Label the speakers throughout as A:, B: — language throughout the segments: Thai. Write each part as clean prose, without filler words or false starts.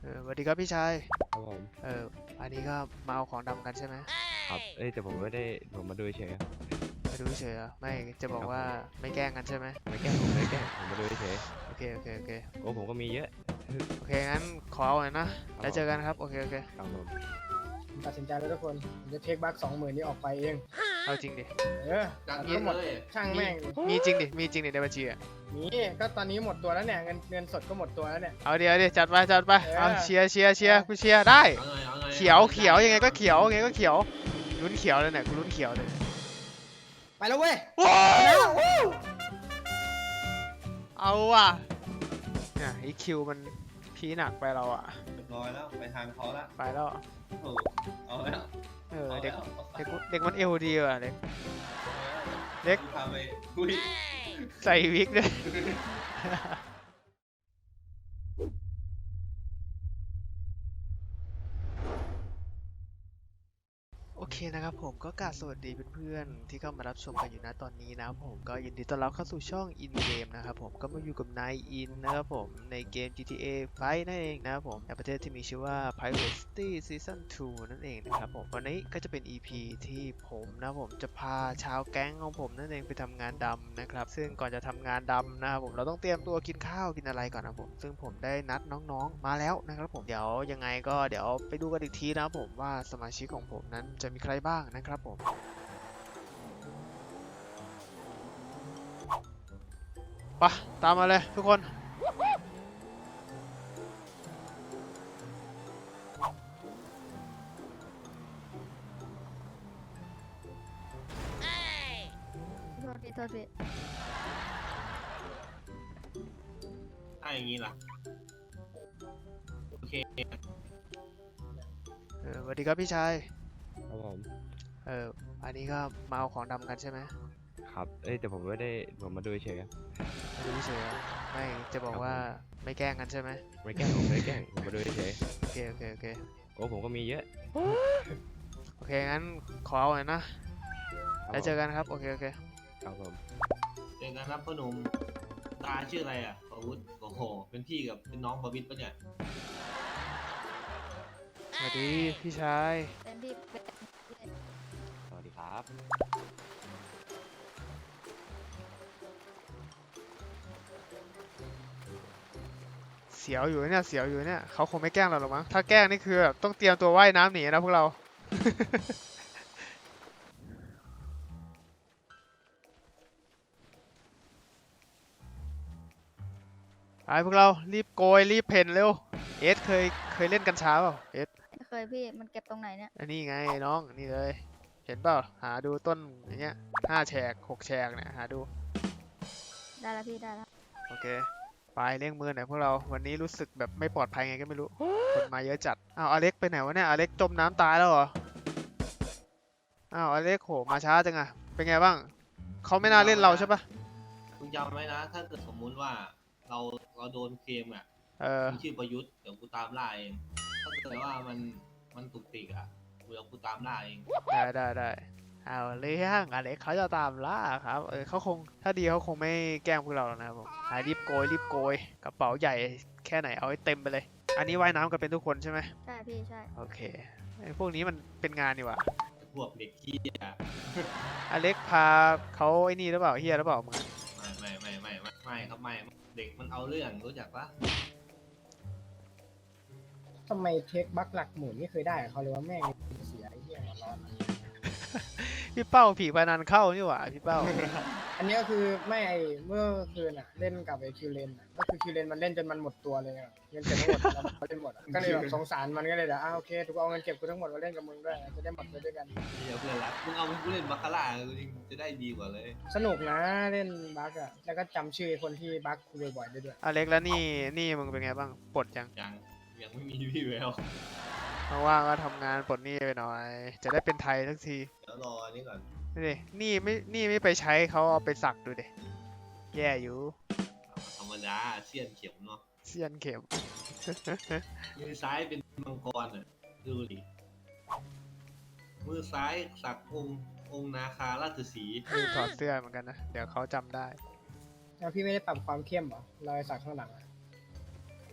A: สวัสดีครับพี่ชาย
B: ครับผม
A: อันนี้ก็มาเอาของดำกันใช่ไหม
B: ครับแต่ผมไม่ได้ผมมาดูเฉยครับ
A: มาดูเฉยเหรอไม่จะบ
B: ครับ
A: อกว่า
B: ผม
A: ไม่แกล้งกันใช่ไหม
B: ไม่แกล้งผมไม่ได้แกล้งผมมาดูเฉย
A: โอเคโอเคโอเค
B: โอ้ผมก็มีเยอะ
A: โอเคงั้นขอเอาหน่อยนะ
B: ครับ
A: แล้วเจอกันครับโอเคโอเค
B: ครับผม
C: ผมตัดสินใจแล้วทุกคนผมจะเทคบัค20,000นี้ออกไปเอง
A: เอาจริงดิ
C: ตัด
A: มี
C: ทั้งหมดช่างแม่งเลย
A: มีจริงดิมีจริงดิในบัญชีอ่ะ
C: นี่ก็ตอนนี้หมดตัวแล้วเนี่ยเงินสดก็หมดตัวแล้วเนี่ย
A: เอาเดี๋ยวจัดไปจัดไปเอา
C: เออ
A: เชียร์กูเชียร์ได้
D: เอาไง
A: เขียวยังไงก็เขียวยังไงก็เขียวลุ้นเขียวเลยเนี่ยกูลุ้นเขียวเลย
C: ไปแล้วเว้ย
A: ว้า
C: ไปแล้ว ว
A: เอาว่ะเนี่ยไอคิวมันพีหนักไปเราอ่ะ
D: เรียบร้อยแล้วไปทางเขาละ
A: ไปแล้ว
D: ถูกเอาแล้ว
A: เด็กมันเอวดีว่ะเด็ก เล็ก
D: พาไปคุย
A: ใส่วิกด้วย โอเคนะครับผมก็กราบสวัสดีเพื่อนๆที่เข้ามารับชมกันอยู่นะตอนนี้นะครับผมก็ยินดีต้อนรับเข้าสู่ช่อง In Game นะครับผมก็มาอยู่กับนายอินนะครับผมในเกม GTA 5 นั่นเองนะครับผมในประเทศที่มีชื่อว่า Pirate City Season 2 นั่นเองนะครับผมวันนี้ก็จะเป็น EP ที่ผมนะผมจะพาชาวแก๊งของผมนั่นเองไปทำงานดำนะครับซึ่งก่อนจะทำงานดำนะครับผมเราต้องเตรียมตัวกินข้าวกินอะไรก่อนนะผมซึ่งผมได้นัดน้องๆมาแล้วนะครับผมเดี๋ยวยังไงก็เดี๋ยวไปดูกันอีกทีนะครับผมว่าสมาชิกของผมนั้นจะมีใครบ้างนะครับผมไปตามมาเลยทุกคน
E: โทษทีโทษที
D: ถ้าอย่างนี้ล่ะโอเค
A: สวัสดีครับพี่ชาย
B: ครับผม
A: อันนี้ก็มาเอาของดำกันใช่ไหม
B: ครับแต่ผมไม่ได้ผมมาดูเฉยครับ
A: มาดูเฉยเหรอไม่จะบอกว่าไม่แกล้งกันใช่ไหม
B: ไม่แกล้งผมไม่ได้แกล้งผมมาดูเฉย
A: โอเคโอเคโอเค
B: โอ้ผมก็มีเยอะ
A: โอเคงั้นขอเอาหน่อยนะ
B: ครับ
A: แล้วเจอกันครับโอเคโอเค
B: ครับผม
D: เจอกันครับพ่อหนุ่มตาชื่ออะไรอ่ะประวุฒิโอ้โหเป็นพี่กับเป็นน้องประวิตรปะเนี่ย
A: สวัสดีพี่ชาย
E: เป็นพี่เป็น
B: สวัสดีครับ
A: เสียวอยู่เนี่ยเสียวอยู่เนี่ยเขาคงไม่แกล้งเราหรอกมั้งถ้าแกล้งนี่คือแบบต้องเตรียมตัวว่ายน้ำหนีนะพวกเรา ไปพวกเรารีบโกยรีบเพ่นเร็วเอสเคยเล่นกัญชาเปล่าเอส
E: ไม่เคยพี่มันเก็บตรงไหนเนี่ย
A: อันนี้ไงน้องนี่เลยเห็นเปล่าหาดูต้นอย่างเงี้ย5 แฉก 6 แฉกเนี่ยหาดู
E: ได้แล้วพี่ได้แล้ว
A: โอเคไปเร่งมือหน่อยพวกเราวันนี้รู้สึกแบบไม่ปลอดภัยไงก็ไม่รู้คนมาเยอะจัดอ้าวอเล็กไปไหนวะเนี่ยอเล็กจมน้ำตายแล้วเหรออ้าวอเล็กโหมาช้าจังอะเป็นไงบ้างเขาไม่น่าเล่นเราใช่ปะ
D: คุณจำไว้นะถ้าเกิดสมมุติว่าเราโดนเคลมอ่ะ
A: เออ
D: มีชื่อประยุทธ์เดี๋ยวกูตามล่าเองถ้าเกิดว่ามันตุกติกอ่ะเดี๋ยวกูตามล่าเอง
A: ได้เอาเรื่องอเล็กเขาจะตามล่าครับเขาคงถ้าดีเขาคงไม่แกล้งพวกเราหรอกนะครับผมรีบโกยกระเป๋าใหญ่แค่ไหนเอาให้เต็มไปเลย อันนี้ว่ายน้ำกันเป็นทุกคนใช่ไหม
E: ใช่พี่ใช่
A: โอเคไอ้พวกนี้มันเป็นงานนี่หว่า
D: พวกเด็กขี้อ่ะ
A: อเล็กพาเขาไอ้นี่หรือเปล่าเฮียหรือเปล่ามึง
D: ไม่ครับไม่เด็กมันเอาเรื่องรู้จักปะ
C: ทำไมเทคบัคหลักหมื่นไม่เคยได้กับเขาเลยว่าแม่งเสียไอ้เหี้ยหัวร้อน
A: พี่เป้าผีพนันเข้านี่หว่าพี่เป้า
C: อันนี้ก็คือไม่ไอเมื่อคืนอ่ะเล่นกับไอคิวเลนก็คือคิวเลนมันเล่นจนมันหมดตัวเลยอะเงินเก็บทั้งหมดแล้วมันเล่นหมดอะก็เลยแบบสงสารมันก็เลยเดี๋ยวโอเคถูกเอาเงินเก็บกูทั้งหมดมาเล่นกับมึงด้วยจะได้หมดไปด้วยกัน
D: เดี๋ยวเพื่อนรักมึงเอากูเล่นบาคาร่าจริงจะได้ดีกว่าเลย
C: สนุกนะเล่นบัคอะแล้วก็จำชื่อคนที่บัคคุยบ่อยๆได้ด้วย
A: อเล็กแล้วนี่มึงเป็นไงบ้างปลดยัง
D: ยังไม่มีพี่แวว
A: ว่างๆก็ทำงานปลดหนี้ไปหน่อย จะได้เป็นไทยสักที
D: เดี๋ยวรออันนี้ก่อน
A: นี่ดินี่ไม่ไปใช้เขาเอาไปสักดูดิแย่อยู่
D: ธรรมดาเสี้ยนเข็มเนาะ
A: เสียนเข็ม
D: มือซ้ายเป็นมังกรอ่ะดูดิมือซ้ายสักองค์นาคาราชสีห์
A: คือถอดเสื้อเหมือนกันนะเดี๋ยวเขาจำได้
C: แล้วพี่ไม่ได้ปรับความเข้มเหรอรอยสักข้างหลังอะ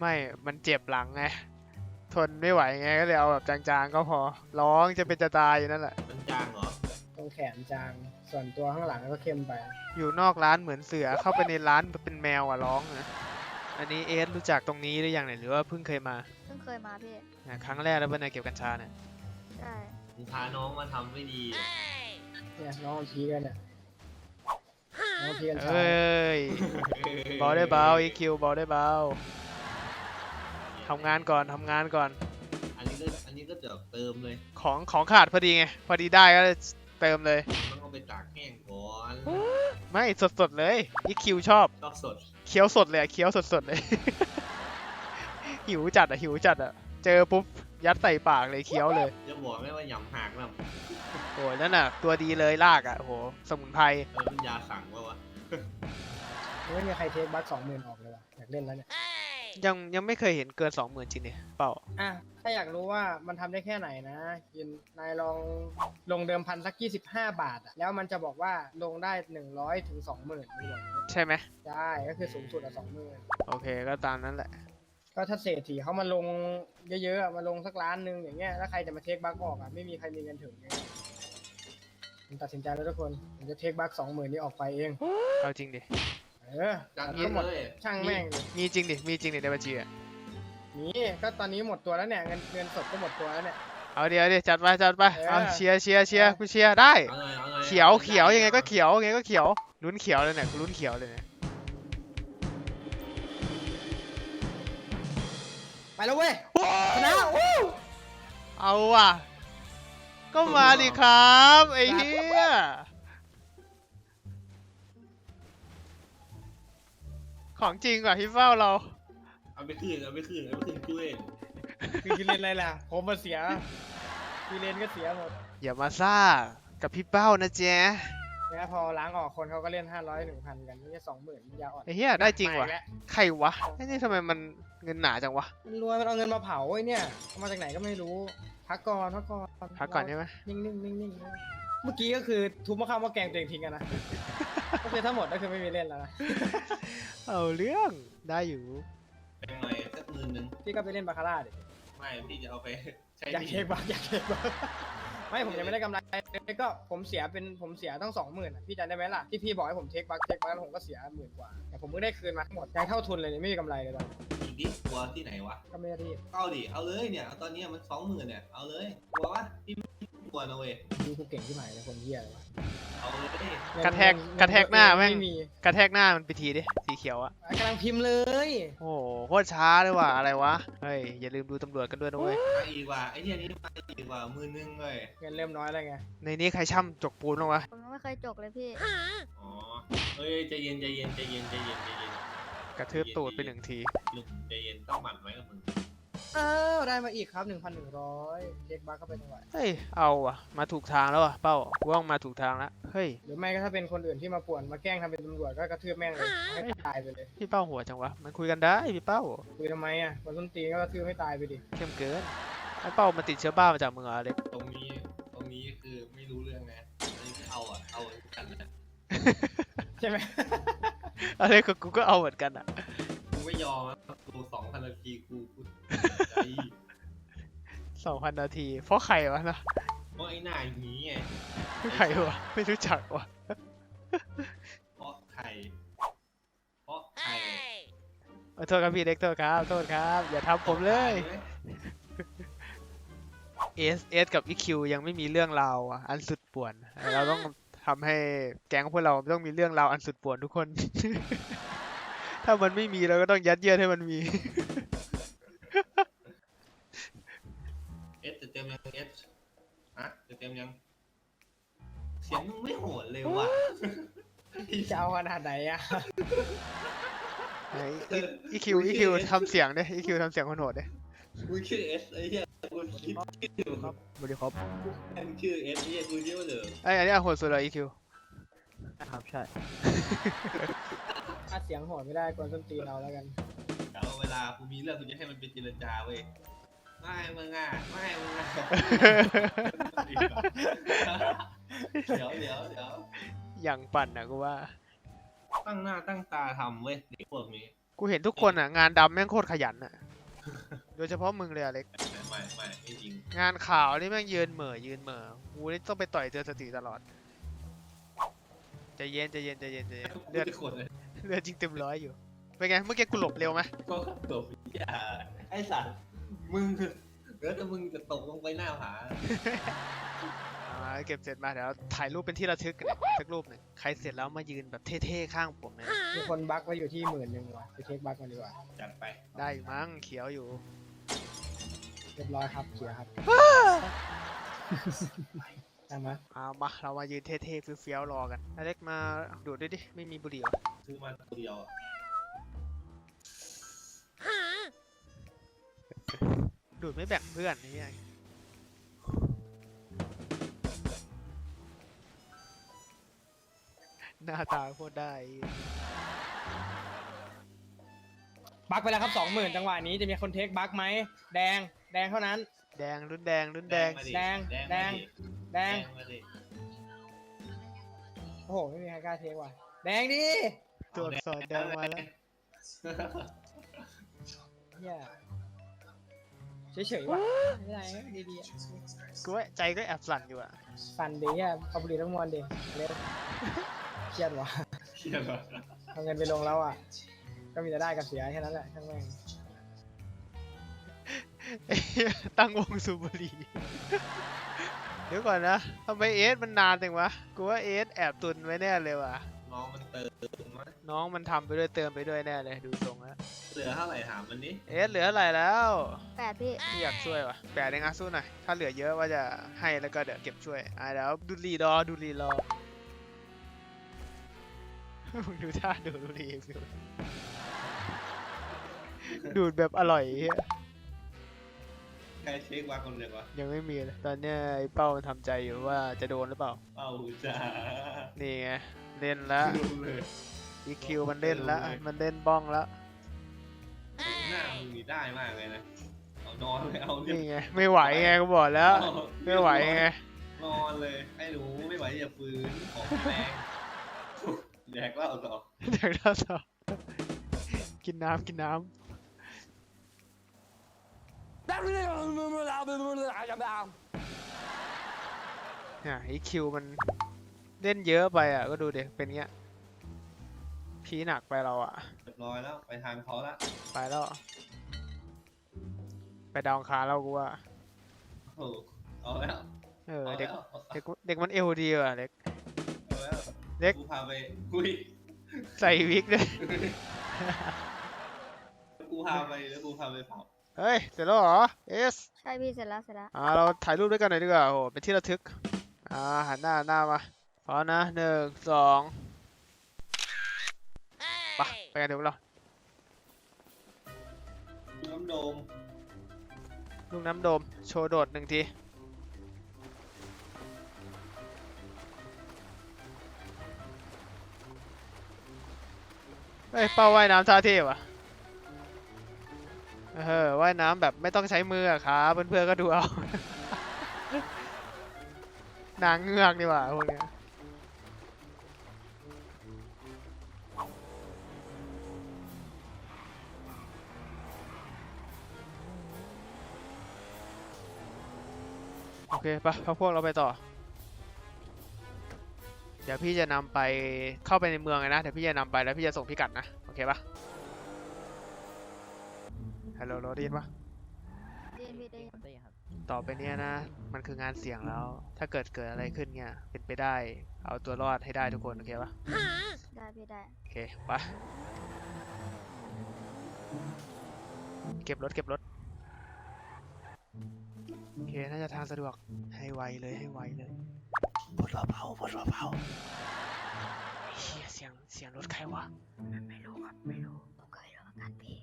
A: ไม่ มันเจ็บหลังไง ทนไม่ไหวไงก็เลยเอาแบบจางๆก็พอ ร้องจะเป็นจะตายอยู่นั่นแหละ
D: มันจางเหรอ
C: ตรงแขนจาง ส่วนตัวข้างหลังก็เข้มไป
A: อยู่นอกร้านเหมือนเสือเข้าไปในร้านเป็นแมวอ่ะร้องนะอันนี้เอสรู้จักตรงนี้หรือยังเนี่ยหรือว่าเพิ่งเคยมา
E: เพิ่งเคยมาพี่
A: ครั้งแรกแล้วเป็นไงเก็บกัญชาเนี่ย
E: ใช่
D: มึงพาน้องมาทำไม่ดี
C: เนี่ยน้องมันพีกันเนี่ยน้องพีกัน
A: เอ
C: ชาย้
A: ยเบาได้เบา EQ เบาได้เบาทำงานก่อนทำงานก่อน
D: อันนี้ก็จะเติมเลย
A: ของขาดพอดีไง พอดีได้ก็เติมเลย
D: ต้องเอาไปตากแห้งก่อน
A: ไม่สดๆเลย EQ ชอบ
D: ชอบสด
A: เคี้ยวสดเลยอะเคี้ยวสดๆเลย หิวจัดอะหิวจัดอะเจอปุ๊บยัดใส่ปากเลยเคี้ยวเลย
D: จะบอกไม่ว่าหยำหักนะ
A: โอ้ยนั่นน่ะตัวดีเลยลากอะโอ้โหสมุนไพร
D: มันยาสั่งวะ
C: ไม่มีใครเทคบัค20,000ออกเลยว่ะอยากเล่นแล้วเนี่ย
A: ยังไม่เคยเห็นเกิน 20,000จริงเนี่ยเปล่า
C: อ่ะถ้าอยากรู้ว่ามันทำได้แค่ไหนนะยินนายลองลงเดิมพันสัก25 บาทอะแล้วมันจะบอกว่าลงได้100 ถึง 20,000มันบอกอย่างนี้
A: ใช่ไหม
C: ได้ก็คือสูงสุดอะ20,000
A: โอเคก็ตามนั้นแหละ
C: ก็ถ้าเศรษฐีเขามาลงเยอะๆอะมาลงสักล้านหนึ่งอย่างเงี้ยแล้วใครจะมาเทคบัคออกอ่ะไม่มีใครมีเงินถึงเนี่ยผมตัดสินใจแล้วทุกคนผมจะเทคบัค20,000นี้ออกไปเอง
A: เอาจริงดิ
D: จาก
C: ทั้
D: นี้
C: งหมด
D: เลย
C: ช่างแม่งเลย
A: มีจริงดิมีจริงดิในบัญชีอะ
C: นี่ก็ตอนนี้หมดตัวแล้วเนี่ยเงินสดก็หมดตัวแล้วเนี่ย
A: เอาเดี๋ยวจัดไปจัดไป
C: เออ
A: เอาเชียร์กูเชียร์ได้
D: เอาเลยเอาเลย
A: เขียวยังไงก็เขียวยังไงก็เขียวลุ้นเขียวเลยเนี่ยกูลุ้นเขียวเลยเนี่ย
C: ไปแล้วเว้ยชนะวู้
A: เอาว่ะก็มาดิครับไอ้เหี้ยของจริงว่ะพี่เฝ้าเรา
D: เอาไปคืนกูเอง
C: คือเล่นอะไรล่ะผมมาเสียคือเล่นก็เสียหมด
A: อย่ามาซ่ากับพี่เป้านะเจ๊
C: เนี่ยพอล้างออกคนเขาก็เล่น500 1,000กันไม่ใช่20,000ยาอ่อน
A: ไอ้เหี้ยได้จริงว่ะ
C: มาอีกแล้
A: ใครวะไอ้นี่ทำไมมันเงินหนาจังวะ
C: มันรวยมันเอาเงินมาเผาไอ้เนี่ยเอามาจากไหนก็ไม่รู้พักก่อน
A: พักก่อนใช่ไหม
C: นิ่งเมื่อกี้ก็คือทุบมะขามมะแกงตัวเองทิ้งกันนะ ก็คือทั้งหมดก็คือไม่มีเล่นแล้วนะ
A: เอาเรื่องได้อยู่
D: เป็นหน่อยสัก10,000
C: พี่ก็ไปเล่นบาคาร่าดิ
D: ไม่พี่จะเอาไปใช้
C: อยากเช็คบักอยากเช็คบักไม่ผมยังไม่ได้กำไรเลยก็ผมเสียตั้ง20,000อ่ะพี่จำได้ไหมล่ะที่พี่บอกให้ผมเทคบักแล้วผมก็เสีย10,000 กว่าแต่ผมเพิ่งได้คืนมาทั้งหมดยังเท่าทุนเลยเนี่ยไม่มีกำไรเลยตอนนี้
D: อีกดิกลัวที่ไหนวะ
C: ก็ไม่ได้รีบ
D: เอาดิเอาเลยเนี่ยตอนนี้มัน20,000เนี่ยเอาเลยกลัววะพี่ไม่กลัวนะเว้ย
C: ดูกูเก่งที่ไหนเลยคนเหี้ยเลยวะ
D: เอาเลย
A: กระแทกหน้าแม่ง
C: ไม่มี
A: กระแทกหน้ามันไปทีดิสีเขียวอะ
C: กำลังพิมพ์เลย
A: โอ้โหโคตรช้าเลยว่ะอะไรวะเฮ้ยอย่าลืมดูตำรวจกันด้วยนะเว้ย
D: มาอีกว่ะไอ้เหี้ยนี้มาอีกว่ะ10,000เลย
C: เงินเริ่มน้อยแล้วไง
A: ในนี้ใครช่ำจกปูนบ้างวะ
E: ผมยังไม่เคยจกเลยพี่
D: อ๋อเฮ้ยใจเย็น
A: กระทืบตูดไปหนึ่งที
D: ลุงใจเย็นต้องหมั่นไว้กับมึง
C: อ้าวได้มาอีกครับ 1,100เช็คบัคเข้าไปหน่อย
A: เฮ้ยเอาอะมาถูกทางแล้วอะเป้ากูว่ามาถูกทางแล้วเฮ้ย
C: หรือไม่ก็ถ้าเป็นคนอื่นที่มาป่วนมาแกล้งทำเป็นตำรวจก็กระทืบแม่งเลยให้ตายไปเลย
A: พี่เป้าหัวจังวะมันคุยกันได้พี่เป้า
C: คุยทำไมอ่ะวันต้นตีนก็กระทืบให้ตายไปดิ
A: เข้มเกินไอ้เป้ามันติดเชื้อบ้ามาจากมึงเหรออเล็ก
D: ตรงนี้คือไม่รู้เรื่องนะอันนี้คือเอากันนะ
A: ใช่ไหม อเล็กกับกูก็เอาเหมือนกันอะ
D: กูไม่ยอมนะกู2,000 นาทีกูใจ
A: 2,000 นาทีเพราะใครวะนะ
D: เพราะไอ้หน้าอย่างนี้ไง
A: ใครวะไม่รู้จักวะ
D: เพราะใคร
A: โทษครับพี่เล็กโทษครับอย่าทำผมเลยเอสกับอีคิวยังไม่มีเรื่องราวอ่ะอันสุดป่วน เราต้องทำให้แก๊งพวกเราต้องมีเรื่องราวอันสุดป่วนทุกคน ถ้ามันไม่มีเราก็ต้องยัดเยียดให้มันมี
D: เอสจะเต็มยังเอสอะจะเต็มยังเสียงมึงไม่โหดเลยว่ะ
C: จะเอาขนาดไหนอ่ะ
A: อีคิวทำเสียงดิอีคิวทำเสียงคนโหดดิ
D: กูชื่อเอสไอ้เหี้ยกูคิดชื่อ
A: สวัสดีครับ
D: แม่งชื่อเอสไอ้เหี้ยกูเรียกว่าเดิม
A: ไอ้อันนี้โหดสุดเลยอีคิว
F: ครับใช่
C: ถ้าเสียงโหดไม่ได้กวนส้นตีนเราแล้วกัน
D: แต่ว่าเวลากูมีเรื่องกูจะให้มันเป็นเจรจาเว้ยไม่มึงอ่ะเดี๋ยว
A: อย่างปั่นนะกูว่า
D: ตั้งหน้าตั้งตาทำเว้ยเด็กพวกนี้
A: กูเห็นทุกคนอ่ะงานดำแม่งโคตรขยันอ่ะ โดยเฉพาะมึงเลยอเล็ก
D: ไม่จริง
A: งานข่าวนี่แม่งยืนเหม่อกูนี่ต้องไปต่อยเจอสติตลอดใจเย็นเลือด
D: ทุกคนเลย
A: เลือดจริงเต็มร้อยอยู่เป็นไงเมื่อกี้กูหลบเร็วไหม
D: ก็ตกอย่าไอ้สัตว์มึงแล้วแต่มึงจะตกลงไปหน้าผา
A: เก็บเสร็จมาเดี๋ยวถ่ายรูปเป็นที่ระทึกกันสักรูปหนึ่งใครเสร็จแล้วมายืนแบบเท่ๆข้างผมเลยนะ
C: มีคนบั๊กไว้อยู่ที่10,000ว่ะไปเช็คบั๊กกันดีกว่า
D: จัดไป
A: ได้อยู่มั้งเขียวอยู่
C: เรียบร้อยครับเขียร์ครับใช่ไหม
A: เอามาเรามายืนเท่ๆเฟี้ยวๆรอกันอเล็กมาดูดด้วยดิไม่มีบุหรี่เหรอ
D: ซื้อมาตัวเดียวอะ
A: ดูดไม่แบ่งเพื่อนนี่ไงหน้าตาโคตรได้
C: บั๊กไปแล้วครับ20,000จังหวะนี้จะมีคนเทคบั๊กไหมแดงเท่านั้น
A: แดงรุ่นแดง
D: มาดิ
C: แดง
D: แดง
C: แดง
D: มาดิ
C: โอ้โหไม่มีใครกล้าเทคว่ะแดงดิ
A: ตัวอักษรแดงมาแล้ว
C: เฮียเฉยๆว่ะไม่ได้ดีๆอะ
A: กูว่าใจก็แอบสั่นอยู่อะ
C: สั่นดีอ่ะเอาบุหรี่ทั้งมวลดิเร็วเครียดว่ะ
D: เชี่ยเหรอ
C: เอาเงินไปลงแล้วอ่ะก็มีแต่ได้กับเสียแค่นั้นแหละช่างแม่ง
A: ตั้งวงสูบบุหรี่ เดี๋ยวก่อนนะทำไมเอสมันนานจังวะ กูว่าเอสแอบตุนไว้แน่เลยว่ะ
D: น้องมันเติมมั้ย
A: น้องมันทำไปด้วยเติมไปด้วยแน่เลยดูทรงแล้ว
D: เหลือเท่าไหร่ถามมันนี้
A: เอสเหลืออะไรแล้ว
E: 8 พี่
A: พี่อยากช่วยว่ะแปดเองอะสู้หน่อย ถ้าเหลือเยอะว่าจะให้แล้วก็เดี๋ยวเก็บช่วยเดี๋ยวดูรีรอมึงดูท่าดูรีฟิวดูดแบบอร่อยเหี้ย
D: ใครเช็คว่าคนเดียววะ
A: ยังไม่มีเลย ตอนเนี้ยไอ้เป้ามันทำใจอยู่ว่าจะโดนหรือเปล่า
D: เอ้าจ้า
A: นี่ไง เล่นแล้ว
D: ดูเลย
A: EQ มันเล่นแล้ว มันเล่นบ้องแล้ว
D: หน้ามึงนี่ได้มากเลยนะเอานอนเลยเอาเรียบ
A: นี่ไง ไม่ไหวไงกูบอกแล้ว ไม่ไหวไง
D: นอนเลยไอ้หนูไม่ไหวอย่าฟื้นของแรงแดกเหล้าต่อ
A: เดี๋ยวเราต่อกินน้ำเนี่ย EQ มันเล่นเยอะไปอ่ะ ก็ดูเด็เป็นเงี้ย พีหนักไปเราอ่ะ
D: เรียบร้อยแล้วไปทางเขาละ
A: ไปแล้ว ไปดาวอังคารแล้วกูว่า
D: โอ้โหเอาแล้ว
A: เด็ก
D: เอา
A: เด็กมันเอวดีว่ะเด็ก
D: แล้ว
A: เด็ก
D: กูพาไปคุย
A: ใส่วิกด้วย
D: กูพาไปแล้วกูพาไปเผา
A: เฮ้ย เสร็จแล้วเหรอ เอส
E: ใช่พี่เสร็จแล้ว
A: เราถ่ายรูปด้วยกันหน่อยดีกว่าโอ้โหเป็นที่ระทึกหันหน้ามาพร้อมนะ1 2ไปกันเดี๋ยวเรา
D: น้ำโดม
A: ลูกน้ำโดมโชว์โดด1 ทีเฮ้ยเป้าว่ายน้ำท่าเท่ว่ะว่ายน้ำแบบไม่ต้องใช้มืออะครับเพื่อนๆก็ดูเอา นางเงือกดีกว่าพวกเนี้ยโอเคปะพวกเราไปต่อ เดี๋ยวพี่จะนำไปเข้าไปในเมืองเลยนะ เดี๋ยวพี่จะนำไปแล้วพี่จะส่งพิกัดนะ โอเคปะฮัลโหลได้ยินปะ
E: ได้ยินพี่ได้ยิน
A: ต่อไปเนี้ยนะ มันคืองานเสี่ยงแล้ว ถ้าเกิดอะไรขึ้นเนี่ย เป็นไปได้ เอาตัวรอดให้ได้ทุกคน โอเคปะ
E: ได้พี่ได้
A: โอเคไปเก็บรถ โอเค น่าจะทางสะดวก ให้ไวเลยปลดเบาเฮียเสียงรถใครวะ ไม่รู้ครับ
E: ผมเคยรู้เหมือนกันพี่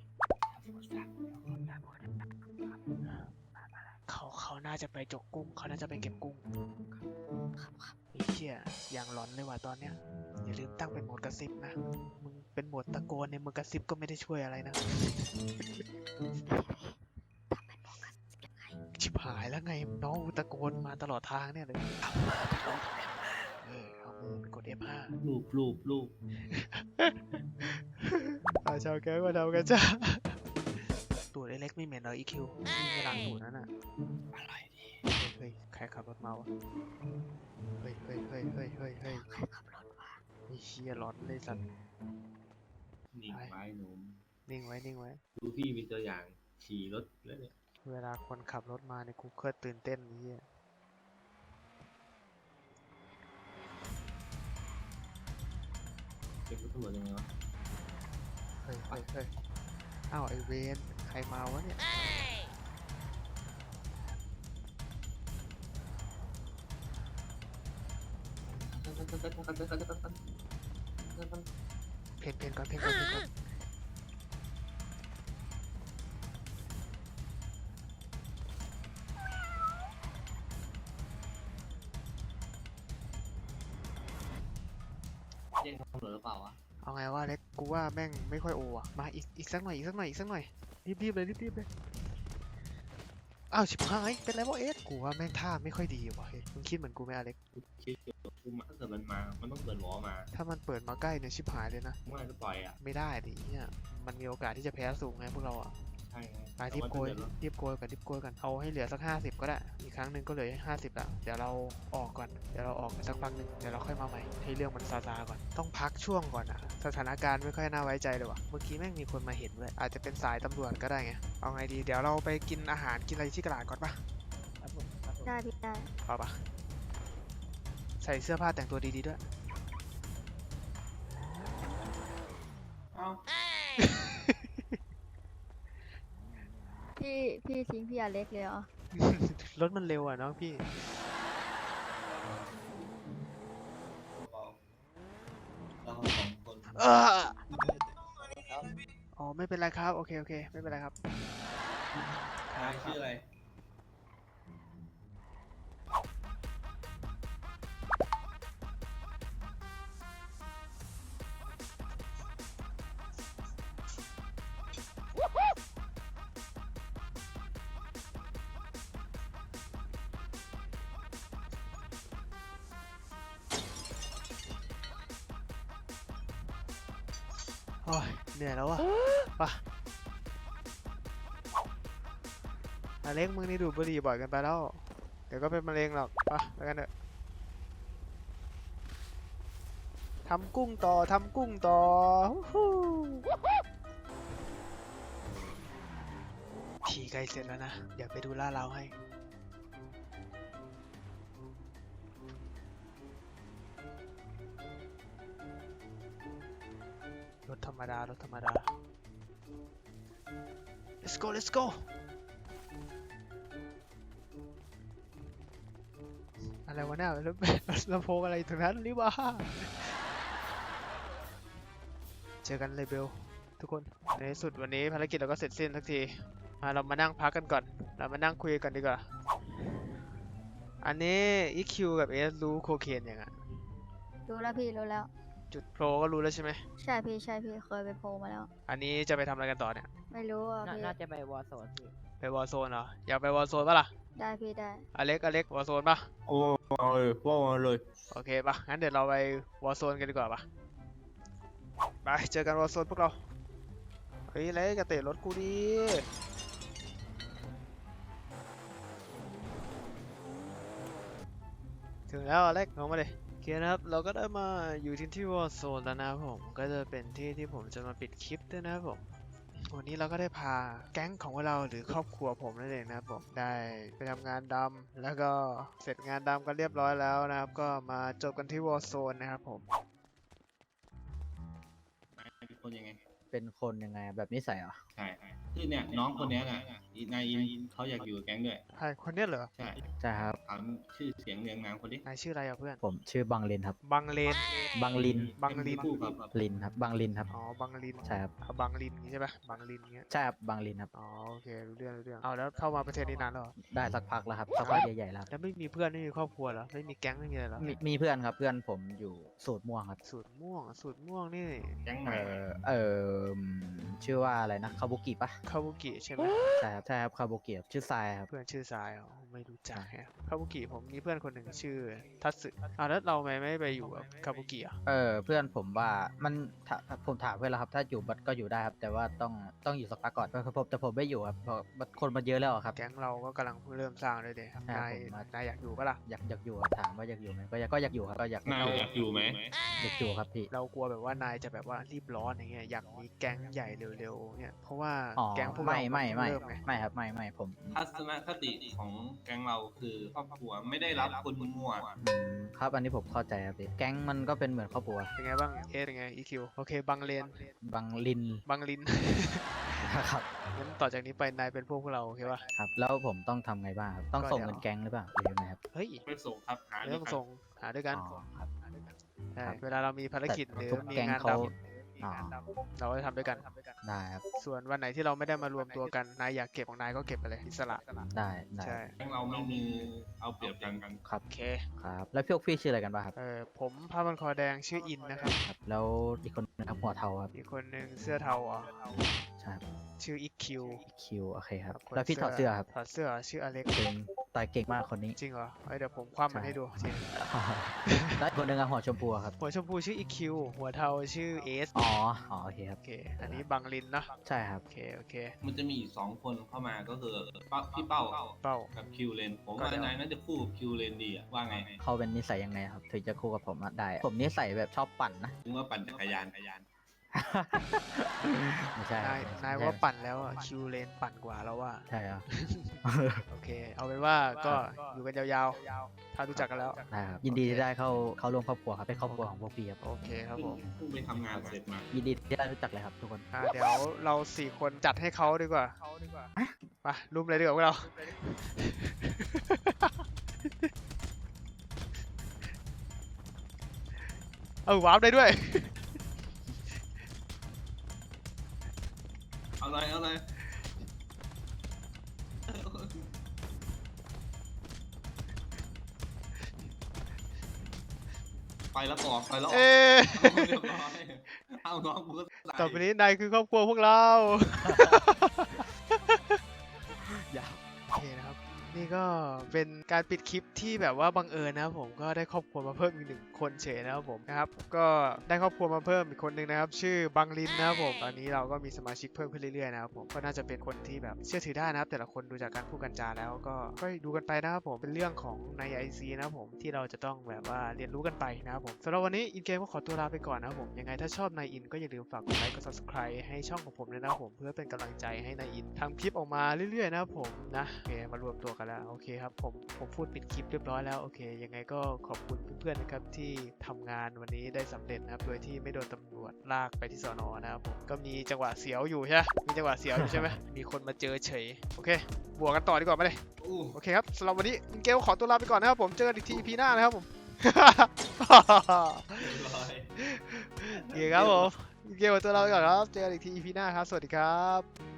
A: เขาน่าจะไปจกกุ้ง เขาน่าจะไปเก็บกุ้งไอ้เหี้ยอย่างหลอนเลยว่ะตอนเนี้ย อย่าลืมตั้งเป็นโหมดกระซิบนะ มึงเป็นโหมดตะโกนเนี่ยมึงกระซิบก็ไม่ได้ช่วยอะไรนะ ชิบหายแล้วไงน้องกูตะโกนมาตลอดทางเนี่ยเลยเอามือเป็นลบเอามือเป็นกด F5
D: รูป
A: ชาวแก๊งมาทำกันจ้าตูดเล็กๆไม่เหม็นเหรออีคิวมีเวลาตูดนั่นน่ะอะไรดีเฮ้ยใครขับรถมาวะเฮ้ย
E: ใครขับรถวะ
A: ไอ้เชี่ยร้อนเลยสัตว์
D: นิ่งไว้หนุ่ม
A: นิ่งไว้
D: ดูพี่มีตัวอย่างขี่รถแล้วเนี่ย
A: เวลาคนขับรถมาเนี่ยกูเคยตื่นเต้นไอ้เหี้ย
D: เป็นรถตำรวจยังไงวะ
A: เฮ้ยอ้าวไอเวนใครมาวะเนี่ยเพนก่อน
D: แจ้งตำรวจหรือเปล่าวะ
A: เอาไงวะเล็กกูว่าแม่งไม่ค่อยโออ่ะมาอีกสักหน่อยรีบเลยอ้าวชิบหายเป็นไรวะเอสกูว่าแม่งท่าไม่ค่อยดีว่ะเฮ้ยมึงคิดเหมือนกูไหมอเล็ก
D: คิดอยู่กูมาถ้าเกิดมันมา มันต้องเปิดหวอมา
A: ถ้ามันเปิดมาใกล้เนี่ยชิบหายเลยนะ
D: เมื่อไหร่จะปล่อยอ่ะ
A: ไม่ได้ดิเนี่ยมันมีโอกาสที่จะแพ้สูงไงพวกเราอ่ะ
D: ใช่ไง
A: ไปรีบโกยกันเอาให้เหลือสัก50ก็ได้อีกครั้งหนึ่งก็เหลือ50ละเดี๋ยวเราออกก่อนเดี๋ยวเราออกไปสักพักหนึ่งเดี๋ยวเราค่อยมาใหม่ให้เรื่องมันซาๆก่อนต้องพักช่วงก่อนอ่ะสถานการณ์ไม่ค่อยน่าไว้ใจเลยว่ะเมื่อกี้แม่งมีคนมาเห็นเลยอาจจะเป็นสายตำรวจก็ได้ไงเอาไงดีเดี๋ยวเราไปกินอาหารกินอะไรที่ตลาดก่อนปะ
E: ได้พี่ได้
A: เอาปะใส่เสื้อผ้าแต่งตัวดีๆด้วย
D: เอ้า
E: พี่ทิ้งพี่อเล็กเลยเหรอ
A: รถมันเร็วอ่ะน้องพี่
D: เราสองคน
A: อ๋อไม่เป็นไรครับโอเคไม่เป็นไรครับ
D: นายชื่ออะไร
A: โอ้ยเหนื่อยแล้วอ่ะปะอเล็กมึงนี่ดูดบุหรี่บ่อยเกันไปแล้ว เดี๋ยวก็เป็นมะเร็งหรอกปะไปกันเถอะทำกุ้งต่อฮู้ทีใกล้เสร็จแล้วนะ เดี๋ยวไปดูล่าเราให้ รถธรรมดา let's go อะไรวะเนี่ยแล้วลำโพงอะไรตรงนั้นนี่วะเจอกันเลยเบลทุกคนในที่สุดวันนี้ภารกิจเราก็เสร็จสิ้นสักทีเรามานั่งพักกันก่อนเรามานั่งคุยกันดีกว่าอันนี้ EQ กับ S รู้โคเคนยังไง
E: รู้แล้วพี่รู้แล้ว
A: จุดโปรก็รู้แล้วใช่ไหม
E: ใช่พี่เคยไปโพลมาแล้ว
A: อันนี้จะไปทำอะไรกันต่อเนี่ย
E: ไม่รู้อ่ะพี่
F: น่าจะไปวอร์โซนพี่
A: ไปวอร์โซนเหรออยากไปวอร์โซนปะล่ะ
E: ได้พี่ได้
A: อเล็กวอร์โซนปะ
B: โอ้เอาเลยว่ามาเลย
A: โอเคปะงั้นเดี๋ยวเราไปวอร์โซนกันดีกว่าปะไปเจอกันวอร์โซนพวกเราเฮ้ยเล็กกระเตะรถกูดิถึงแล้วอเล็กลงมาเลยโอเคนะครับเราก็ได้มาอยู่ที่วอร์โซนแล้วนะครับผมก็จะเป็นที่ที่ผมจะมาปิดคลิปด้วยนะครับผมวันนี้เราก็ได้พาแก๊งของเราหรือครอบครัวผมนั่นเองนะครับผมได้ไปทำงานดำแล้วก็เสร็จงานดำกันเรียบร้อยแล้วนะครับก็มาจบกันที่วอร์โซนนะครับผม
D: นายเป็นคนยังไง
F: เป็นคนยังไงแบบนิสัยเหรอ
D: ใช่คือเนี่ยน้องคนเนี้ยน่ะนายอินเขาอยากอยู่กับแก๊งด้วย
A: ใครคนเนี้ยเหรอ
D: ใช่
F: ใช่ครับ
D: ถามชื่อเสียงเรียงนามคนนี้
A: นายชื่ออะไรอ่ะเพื่อน
F: ผมชื่อบังลินครับ
A: บังเลน
F: บังลิน
A: บังลิน
D: คู่กับ
F: ลินครับ บังลินครับ
A: อ๋อ บังลิน
F: ใช่ครับ
A: เอาบังลินอย่างงี้ใช่ปะบังลินอย่างเงี้ย
F: ใช่ครับ บังลินครับ
A: อ๋อ โอเค รู้เรื่อง เอาแล้วเข้ามาประเทศนี้นานแล้วเหรอ
F: ได้สักพักแล้วครับ สักพักใหญ่ๆแล้วครับ
A: แล้วไม่มีเพื่อนไม่มีครอบครัวเหรอ ไม่มีแก๊งไม่มีอะไรเหรอ
F: มีเพื่อนครับ เพื่อนผมอยู่สูตรม่วงครับ
A: สูตรม่วงนี่
D: แก๊งใหม่
F: ชื่อว่าอะไรนะ คาบุกิปะ
A: คาบุกิใช่ไหม
F: ใช่ครับใช่ครับคาโบเกียชื่อทรายครับ
A: เพื่อนชื่อทรายอ๋อไม่รู้จักแฮะคาบุกิผมมีเพื่อนคนหนึ่งชื่อทัตสึแล้วเราไม่ไปอยู่กับคาบุกิอ่ะ
F: เพื่อนผมว่ามันถ้าผมถามเพื่อนแล้วครับถ้าอยู่บัดก็อยู่ได้ครับแต่ว่าต้องอยู่สักพักก่อนแต่ผมไม่อยู่ครับเพราะคนมันเยอะแล้วอะครับ
A: แก๊งเราก็กำลังเพิ่งเริ่มสร้างเลยเดะ
F: ใช่
A: นาย
F: ผมว่า
A: นายอยากอยู่ปะล่ะ
F: อยากอยู่ครับถามว่าอยากอยู่ไหมก็อยากอยู่ครับก็อยาก
D: นายอยากอยู่ไหม
F: อยากอยู่ครับพี่
A: เรากลัวแบบว่านายจะแบบว่ารีบร้อนอย่างเงี้ยอยากมีแก๊งใหญ่เร็วๆเนี่ยเพราะว่า
F: อ๋อ
A: แก๊งพวก
F: ไม่
A: เรา
F: ไม่
A: น
F: ไม่
A: เริ่มไง
F: ไม่ครับไม่ผม
D: ทัศนคติของแก๊งเราคือครอบครัวไม่ได้รับคนมั่ว
F: ครับอันนี้ผมเข้าใจครับพี่แก๊งมันก็เป็นเหมือนครอบครัว
A: เป็นไงบ้างเอสเป็นไง EQ โอเคบังเลน
F: บางลิน
A: บังลิน
F: ครับ
A: งั้นต่อจากนี้ไปนายเป็นพวกเราโอเคปะ
F: ครับแล้วผมต้องทำไงบ้างครับต้อง
A: ก็
F: ส่ง
A: เดี๋ยว
F: เงินแก๊งหรือเปล่าหรือยังไงครับ
A: เฮ้ย
D: ไปส่งครับหา
A: เรื่องส่งหาด้วยกัน
F: อ๋อครับ
A: ใช่
F: ครับ
A: เวลาเรามีภารกิจ
F: แต่
A: หรือ
F: ทุก
A: มี
F: แก๊ง
A: งาน
F: เขา
A: ดำเราก็จะทำด้วยกัน
F: ได้ครับ
A: ส่วนวันไหนที่เราไม่ได้มารวมตัวกันนายอยากเก็บของนายก็เก็บไปเลยอิสระ
F: ได้
A: ใช่
D: แก๊งเราไม่มีเอาเปรียบกัน
F: ครับ
A: โอเค
F: ครับแล้วพวกพี่ชื่ออะไรกันบ้างครับ
A: ผมผ้าพันคอแดงชื่ออินนะครับ
F: ครับ แล้วอีกคนนึงครับหัวเทาครับ
A: อีกคนหนึ่งเสื้อเทาอ๋อ
F: ใช่ครับ
A: ชื่ออีคิว
F: คิวโอเคครับ
A: คน
F: แล้วพี่ถอดเสื้อครับ
A: ถอดเสื้อชื่ออเล็ก
F: เก่งต่อยเก่งมากคนนี้
A: จริงเหรอเดี๋ยวผมคว่ำมันให้ดูจริง
F: แล้วอีกคนนึงอะหัวชมพูอะครับ
A: หัวชมพูชื่ออีคิวหัวเทาชื่อเอส
F: อ๋อโอเคครับ
A: โอเคอันนี้บังลินเนอะ
F: ใช่ครับ
A: โอเค
D: มันจะมีอีก2 คนเข้ามาก็คือพี่เป้า
A: เป้า
D: กับคิวเลนผม
A: ก็
D: ว่า
A: เดี๋ยว
D: นายน่าจะคู่กับคิวเลนดีอะว่าไง
F: เขาเป็นนิสัยยังไงครับถึงจะคู่กับผมอะได้ ผมนิสัยแบบชอบปั่นนะ
D: ถึงว่าปั่นจักรยาน
F: ไม่ใช่ครับ
A: นายว่าปั่นแล้วอ่ะคิวเลนปั่นกว่าแล้วว่า
F: ใช่ครับ
A: โอเค เอาเป็นว่าก็อยู่กันยาวๆ ถ้ารู้จักกันแล้ว
F: ได้ครับยินดีที่ได้เข้าร่วมครอบครัวครับเป็นครอบครัวของพวกพี่ครับ
A: โอเคครับผม
D: เพิ่งไปทำงานเสร็จมา
F: ยินดีที่ได้รู้จักเลยครับทุกคน
A: เดี๋ยวเรา4 คนจัดให้เขาดีกว่ามารุมเลยดีกว่าพวกเรา วาร์ปได้ด้วย
D: เอาเลย ไปแล้วออกไปแล้วออก
A: เอ๊ะ
D: เรียบร้อยเอาน้องกูก็ใส่
A: ต่อไปนี้นายคือครอบครัวพวกเรา
F: ยาว
A: โอเคนะครับ นี่ก็เป็นการปิดคลิปที่แบบว่าบังเอิญนะครับผมก็ได้ครอบครัวมาเพิ่มอีก1 คนเฉยนะครับผมนะครับก็ได้ครอบครัวมาเพิ่มอีกคนหนึ่งนะครับชื่อบังลินนะครับผมตอนนี้เราก็มีสมาชิกเพิ่มขึ้นเรื่อยๆนะครับผมก็น่าจะเป็นคนที่แบบเชื่อถือได้นะครับแต่ละคนดูจากการพูดกันจาแล้วก็ดูกันไปนะครับผมเป็นเรื่องของใน IC นะครับผมที่เราจะต้องแบบว่าเรียนรู้กันไปนะครับผมสำหรับวันนี้อินเกมก็ขอตัวลาไปก่อนนะครับผมยังไงถ้าชอบนายอินก็อย่าลืมฝากกดไลค์กด subscribe ให้ช่องของผมด้วยนะครับผมเพื่อเป็นกำลังใจให้นายอินทำคลิปออกมาเรื่อยๆนะครับผมนะโอเคมารวมตัวกันแล้วโอเคครับผมพูดปิดคลิปเรียบร้อยแล้วโอเคยังไงก็ขอบคุณเพื่อนๆนะครับที่ทำงานวันนี้ได้สำเร็จนะครับโดยที่ไม่โดนตำรวจลากไปที่สน.นะครับผมก็มีจังหวะเสียวอยู่ใช่ไหมมีจังหวะเสียวอยู่ใช่ไหม มีคนมาเจอเฉยโอเคบวกกันต่อดีกว่ามาเลย
D: อู้
A: โอเคครับสำหรับวันนี้อินเกลขอตัวลาไปก่อนนะครับผมเจอกันอีกที EP หน้านะครับผม
D: เรียบร้อย
A: โอเคครับผมอินเกลขอตัวลาไปก่อนครับเจอกันอีกที EP หน้าครับสวัสดีครับ